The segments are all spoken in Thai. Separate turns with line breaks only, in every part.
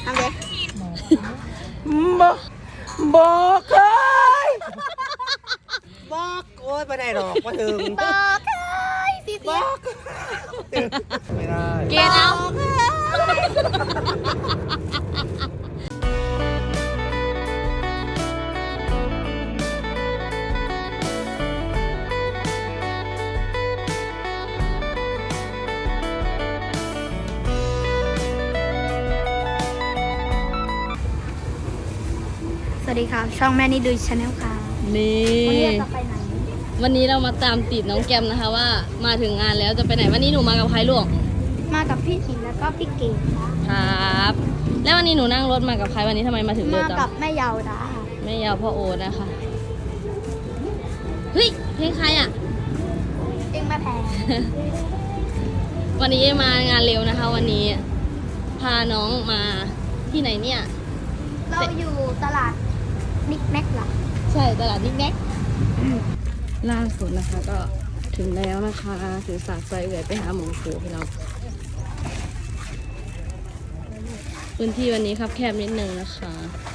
ทำเลย
บอกเลยบอกโอ๊ยไม่ได้หรอกมาถึง
บอกเลยสิ
บอกไม่ได้
เกณฑ์เอาสวัสดีครับช่องแม่นี่ดูชาแนลค่ะ
นี่
วันนี้เราจะไปไหน
วันนี้เรามาตามติดน้องแกมนะคะว่ามาถึงงานแล้วจะไปไหนวันนี้หนูมากับใครลูก
มากับพี่ขิงแล้วก็พี่เก๋ค่ะ
ครับแล้ววันนี้หนูนั่งรถมากับใครวันนี้ทำไมมาถึงเร็วจัง
มากับแม่เยาวดา
แม่ยาวพ่อโอนะคะเฮ้ยเพลงใครอ่ะ
เองแม่แพง
วันนี้มางานเร็วนะคะ วันนี้พาน้องมาที่ไหนเนี่ย
เราอยู่ตลาดนิกแน็กหรอ
ใช่ตลาดนิกแน็กล่าสุดนะคะก็ถึงแล้วนะคะถือสากไฟเอื่อยไปหาหมูฟูพี่น้องพื้นที่วันนี้ครับแคบนิดนึงนะคะ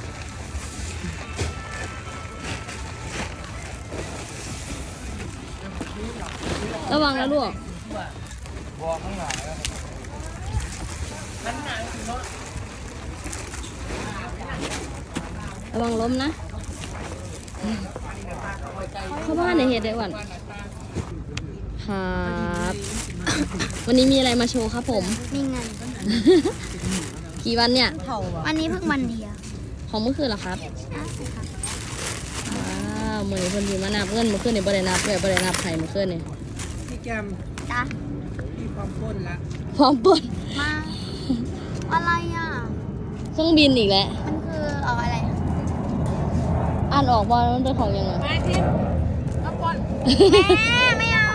ระวังนะลูกระวังล้มนะเข้าบ้านในเหตุได้วันครับวันนี้มีอะไรมาโชว์ครับผม
มีเงิน
กี่วันเนี่ย
วันนี้เพิ่งวันเดียว
ของเมื่อคืนเหรอครับ
ใช่ค่ะ
ว้าวมือคนดีมานับเงินเมื่อคืนนี่บ่ได้นับเลยบ่ได้นับไข่เมื่อคืนนี่
พี่แกม
จ้ะ
มีความพ้นละ
พร้อมปน
มาอะไรอ่ะ
เครื่องบินอีกแล้ว
มันคืออะไร
อ่านออกบอลมันเป็นของยังไง
ไม่ทิมก็ปนแม่ไม่เอา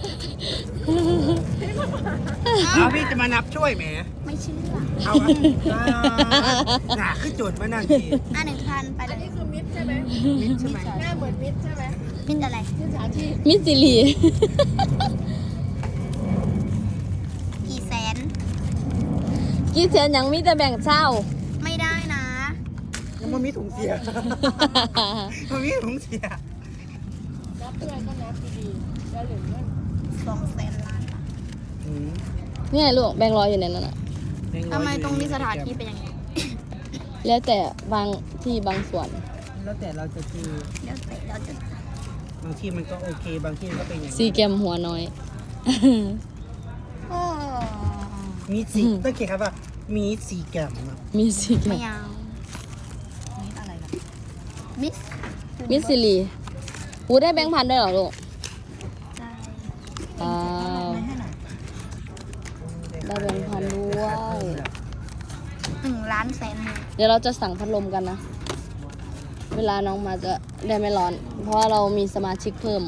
เอาพี่จะมานับช่วยแหม
ไม่เชื่อ
เอาหนาขึ้นจุดมานั่นที
1,000ไปเลยนี่คือมิดใช่ไหม
มิดใช่ไหม
หน้าเหมือนมิดใช่ไหมมิดอะไรมิดสาชีพ
มิสซิลี
กี่แสน
ยังมีแต่แบ่งเช่า
ไม่ได้นะ
ยังมันมีถุงเสียมันมีถุงเสีย
นับเพื่อนก็นับดีๆแล้วเหลือเงิน200,000 ล้าน
นี่ไงลูกแบ่งร้อยอยู่ในนั้นอ่ะ
ทำไมตรงนี้สถานที่เป็นอย่างนี้
แล้วแต่บางที่บางส่วน
แล้วแต่เราจะคือบางที่มันก็โอเคบางที่ก็เป็นอย่าง
ซีแกมหัวน้อย
มีสีต้องเขียนครับว่ามีสีแกม
มีซีแกม
ไม่เอามิดอะไรล่ะ
มิสซิลีหูได้แบงค์พันด้วยเหรอลูก
ใช่
ได้แบงค์พันด้วย
1 ล้านแสน
เดี๋ยวเราจะสั่งพัดลมกันนะเวลาน้องมาจะได้ไม่ร้อนเพราะว่าเรามีสมาชิกเพิ่ม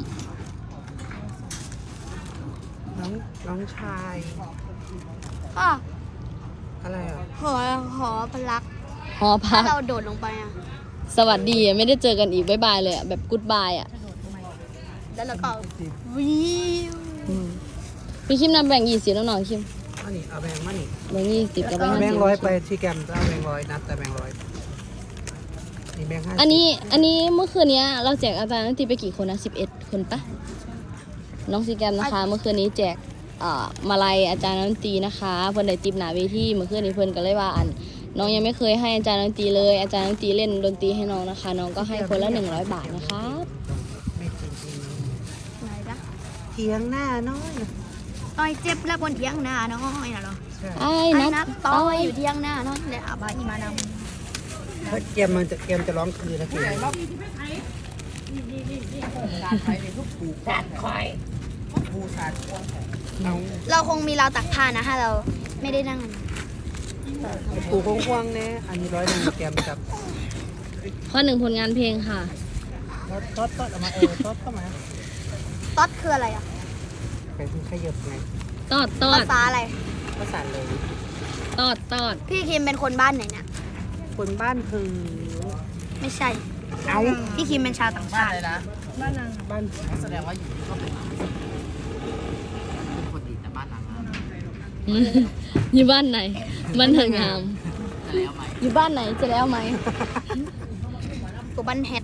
น้องชาย
ก็
อะไรอ่ะ
หอพลัก
หอพัก
เราโดดลงไปอ่ะ
สวัสดีไม่ได้เจอกันอีกบ๊ายบายเลยแบบกู๊ดบายอ่ะ
แล้วเราก็วิว
พี่คิมนำแบ่ง20แล้วน้องคิม
อันนี้เอาแบงค์มานี่
แบ่ง20กับแบงค์
50แบงค์100ไปที่แกมเอาแบงค์100นับแต่แบงค์100นี่แบงค์50
อันนี้เมื่อคืนนี้เราแจกอาจารย์นันทีไปกี่คนนะ11 คนปะน้องซีแกมนะคะเมื่อคืนนี้แจกมาลัยอาจารย์นันตีนะคะเพื่อนได้ติบหนาเวทีเมื่อคืนนี้เพื่อนก็เลยว่าน้องยังไม่เคยให้อาจารย์นันตีเลยอาจารย์นันตีเล่นดนตรีให้น้องนะคะน้องก็ให้คนละ100 บาทนะคะ
ไม่จริง
ๆไหนจ๊ะ
เทียงหน้าน้อย
ต่อยเจ็บแล้วบนเทียงหน้าน้อยนะเหรอ
ไอ้นัด
ต่อยอยู่เทียงหน้าน้อยเลยอาบะอีมานำ
ถ้าเกมจะร้องคืนนะคือการไปในทุกปูการคอยปูสาด
เราคงมีเราตักผ้านะถ้าเราไม่ได้นั่ง
ปูกว้างๆเนี่ยอันนี้100เกมครับ
ข้อ1ผลงานเพลงค่ะ
ต๊อดออกมาต๊อดเข้ามา
ต๊อดคืออะไรอ่ะ
เป็นขยับไง
ตอด
ภาษาอะไร
ภาษาเลย
ตอด
พี่คิมเป็นคนบ้านไหนเนี่ย
คนบ้านคือ
ไม่ใช่เอาพี่คิมเป็นชาวต่างชาติ
เลยนะบ้านนางบ้านแสดงว่าอยู่ก็เป็นคนดีแต่บ้านนาง
อยู่บ้านไหนบ้านนางงามอยู่บ้านไหนจะแล้วไหม
ตัวบันแฮด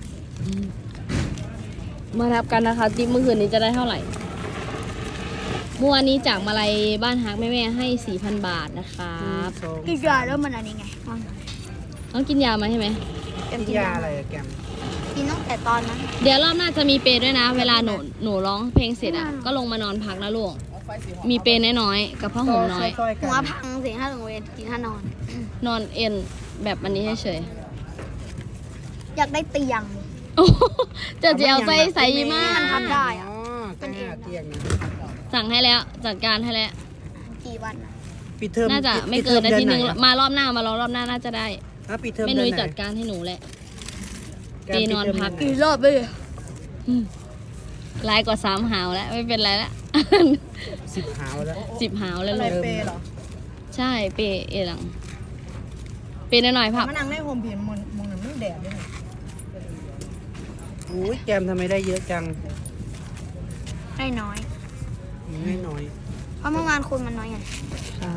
มานับกันนะคะติ๊บเมื่อคืนนี้จะได้เท่าไหร่เมื่อวานนี้จากมาลัยบ้านฮักแม่ๆให้ 4,000 บาทนะครับ
กินยาแล้วมันอันนี้ไง
ต้องกินยามาใช่ไหม
กินยาอะไรอะแกม
กินตั้งแต่ตอนนั้น
เดี๋ยวรอบหน้าจะมีเปรย์ด้วยนะ เวลาหนูร้องเพลงเสร็จอ่ะก็ลงมานอนพักนะลูกมีเปรย์น้อยๆกับผ้าห่มน้อย
ซอยๆกั
หัวพังสิถ้าถึงเวรกินถ้านอน
นอนเอ็นแบบอันนี้เฉย
อยากได้เตียง
ๆโอ้โหจะเจียวใจใส่มาก
มันทำได้อะ
อ๋อเป็นเตียงนะ
สั่งให้แล้วจัดการให้แล้ว
กี่วันอะ
ปิดเทอม
น่าจะไม่เกินอาทิตย์นึง
เดือไห
มารอบหน้ามารอรอบหน้าน่าจะได้
อ่ะปิดเทอม
แม่
เดื
นุ้
อย นไหน
จัดการให้หนูแหละ
แกม
เปนอนพัก
ปิดเทอมเดื
กี่
ไห
รอบเลย
ลายกว่า3 หาวแล้วไม่เป็นไรแล้ว
10 หาวแล้ว
10 หาวแล้ว
อะไร
ลูก
เปย์เหรอ
ใช่เปย์เอหลังเปย์หน่อยๆพับ
มานั่งในโฮมเพียนมองหนังไม่แดดด้วยนะ
อุ้ยแกมทำไมได้เยอะจัง
ได้น้อย
ไม่น้อย
เพราะเมื่อวานคุณมันน้อยไง
ครับ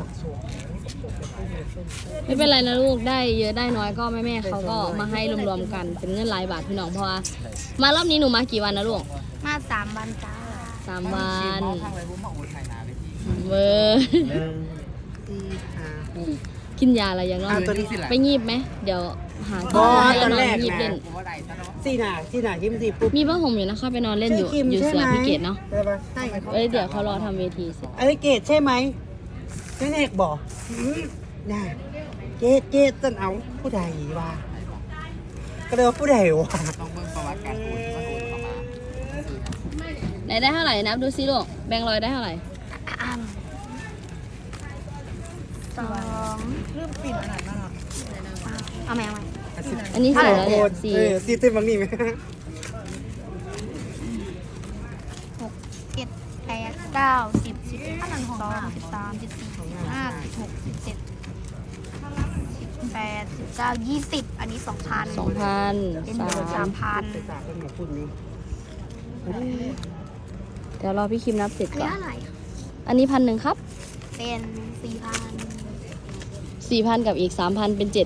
ไม่เป็นไรนะลูกได้เยอะได้น้อยก็แม่ๆเขาก็มาให้รวมๆกันเป็นเงินหลายบาทพี่น้องเพราะว่ามารอบนี้หนูมากี่วันนะลูก
มา3 วันจ้า
3 วันเบอร์
1 4 5 6
กินยาอะไรยังน้อย
ตัวนี้
ไปงีบไหมเดี๋ยวหา
อ๋อ
ให้
ตอน
นอ
แร
น
ก
งีบ
นะ
เล่น
สี่หน้ายิ้มสิปุ๊บ
มีผ้าห่มอยู่นะเข้าไปนอนเล่นอยู่
ใช่คิม
อยู่
ใช่
เสือ
ไหม
พิเกตเนาะ
ใช่ปะ
ใช่ครับ
เดี๋ยวเขารอทำเวทีเสร็จ
เอ้ยเกดใช่ไหมใช่เอกบอกน่ะเกดต้นเอาผู้ใดวะก็เลยว่าผู้ใดวะ
ไหนได้เท่าไหร่นับดูซิลูกแบงค์ร้อยได้เท่าไหร่
อัน2
เริ่มปิ่นขนาดนั้นเหรอ
เอาไหม
อันนี้สี่แล้วเนี่ยสี่
สี่เต็มบางนี่ไหม
7 8 9 10 11 12 13 14 15 16 17 18 19 20 อันนี้ 2,000
2,000
เป็นเงิน 3,000
ไปฝากเป็นหมอคุณนี่
เดี๋ยวรอพี่คิมนับเสร็จ
อัน
ก่อ
นี้
น
เท่าไหร่
อันนี้1,100ครับ
เป็น
4,000 กับอีก 3,000 เป็น 7,000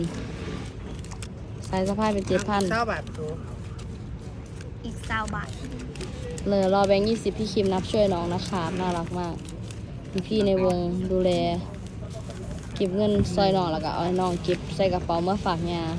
สายสะพายเป็น 7,000
เท่าบาทตัว
4,000 อีก20 บาท
เลยรอแบงค์20พี่คิมนับช่วยน้องนะคะน่ารักมากพี่ในวงดูแลเก็บเงินซอยน้องแล้วก็เอาให้น้องเก็บใส่กระเป๋าเมื่อฝากยา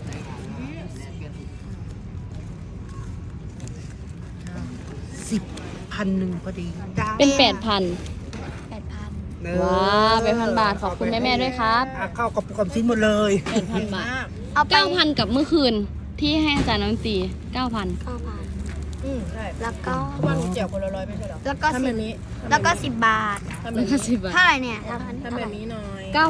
10,100พอดีจ้า
เป็น 8,000
8,000
ว้าว8,000 บาทขอบคุณแม่ๆด้วยครับ
เข้ากับความชิ้นหมดเลย
8,000 บาท
เอาไป
9,000 กับเมื่อคืนที่ให้อาจารย์น้ำตี 9,000
9,000
ใช่
แล้วก็
เพราะว่าหนูแจกคนละ100ไม่ใช่เหรอ
แล้วก็
ทำแบบนี้
แล้วก็ 10 บาท
ทำแบ
แล้
บ
วก็
นี้
10 บาท
เท่าไหร่เนี่ยท
ทำแบบนี้หน่อย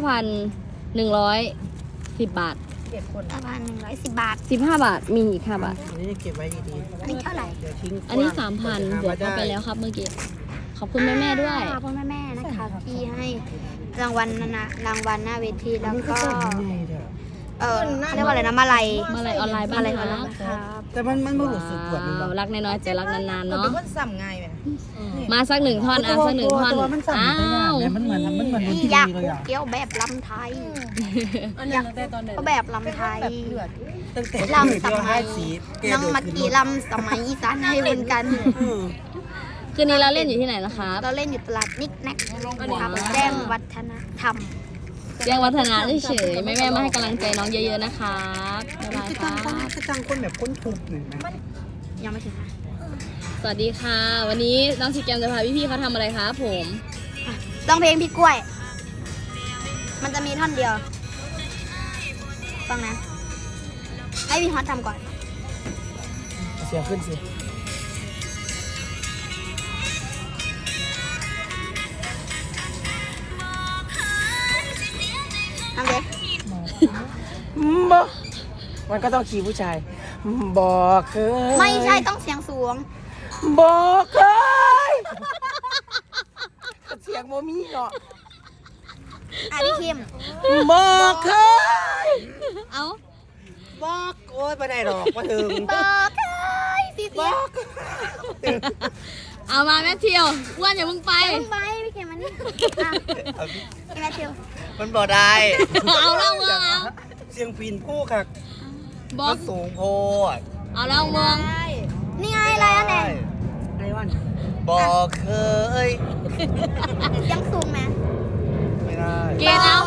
9,110 บาท
เก็บคน
1,110 บาท
15 บาท มีอีก 5 บาท
อันนี้เก็บไว้ดี
อันนี้เท่าไหร่
ๆเดี๋ยวทิ้ง
อันนี้ 3,000 บวกเข้าไปแล้วครับเมื่อกี้ ขอบคุณแม่ๆด้วย
ขอบคุณแม่ๆนะคะที่ให้รางวัลรางวัลหน้าเวทีแล้วก็ เรียกว่าอะไรนะมาลัย
มาลัยออนไลน์บ้าน
มาลัยอ
ค
อนไล
รับ
น์ครับ
แต่มันไม่รู้สึกปวดมัน
ว้าวรักน้อยๆแต่รักนานๆ
มัน
เนาะ
เป็นคนซ้ำง่ายไหม
มาสักหนึ่งท่อนอ่ะสักหนึ่งท่อน
ตัวมันสั่น
อ้า
ไปอย่าง
ว
เนี่ยมันเหมือนดน
นี่
ตรี
อยาก
เลยอ่ะ
เกี้ยวแบบลำไทย
อันนี้ตั้งแต่ตอนไหน
ก็แบบลำไทย
แบบเลือด
ตั้งแต่
ลำสมัย
สี
น้องมักกี้ลำสมัยอีสานให้เหมือนกัน
คืนนี้เราเล่นอยู่ที่ไหนนะคะ
เราเล่นอยู่ตลาดนิกแน็กครับแจ้งวัฒนธรรม
แจ้งวัฒนะเฉยๆแม่ๆมาให้กำลังใจน้องเยอะๆนะครับบ๊ายบาย
คือ
ค
จั
รั
ง
บ
คือจังคนแบบคนทุบหนึ่งนะ
ยังไม่ถึงนะ
สวัสดีค่ะ วันนี้น้องซีแกมจะพาพี่ๆเขาทำอะไรครับผม
ต้องเพลงพี่กล้วย มันจะมีท่อนเดียว ฟังนะ ให้พี่ฮอตทำก่อน
เสียขึ้นสิ
ทำเลย
บอกมันก็ต้องขี่ผู้ชาย บอกเคย
ไม่ใช่ต้องเสียงสูง
บอกเคยเสียงโมมี่เนาะ
อ่ะพี่คิม
บอกเคย
เอ้า
บอกโอ้ยไปไหนหรอกมาถึง
บอกเคยสิ
บอก
เอามาแม่เที่ยวอ้วนอย่ามึงไป
ไปไปพี่เข็มมันนี่พี่แมทธิว
มันบ่ได้
เอาเล่าเมืองเอา
เสียงปีนผู้ค่ะ
บอ
มั
ก
นสูงโพด
เอาเล่าเมือง
นี่ไงอะไรอันไหน
ไอ้วัน
บอกเคย
ยังสูงไหม
ไม่ได้
เกณฑ์เอา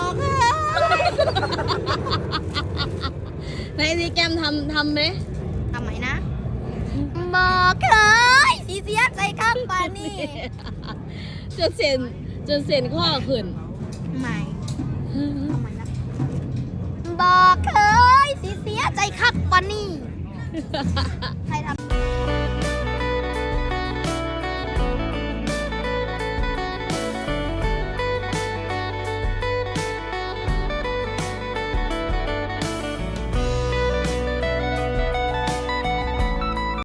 ในซีแกมทำไหม
ทำไมนะบอกเคยสีเสียใจข้ามปานี่
จนเส้นข้อขึ้น
ไม่ทำไมนะบอกเคยสีเสียใจครับปานี่ใครทำ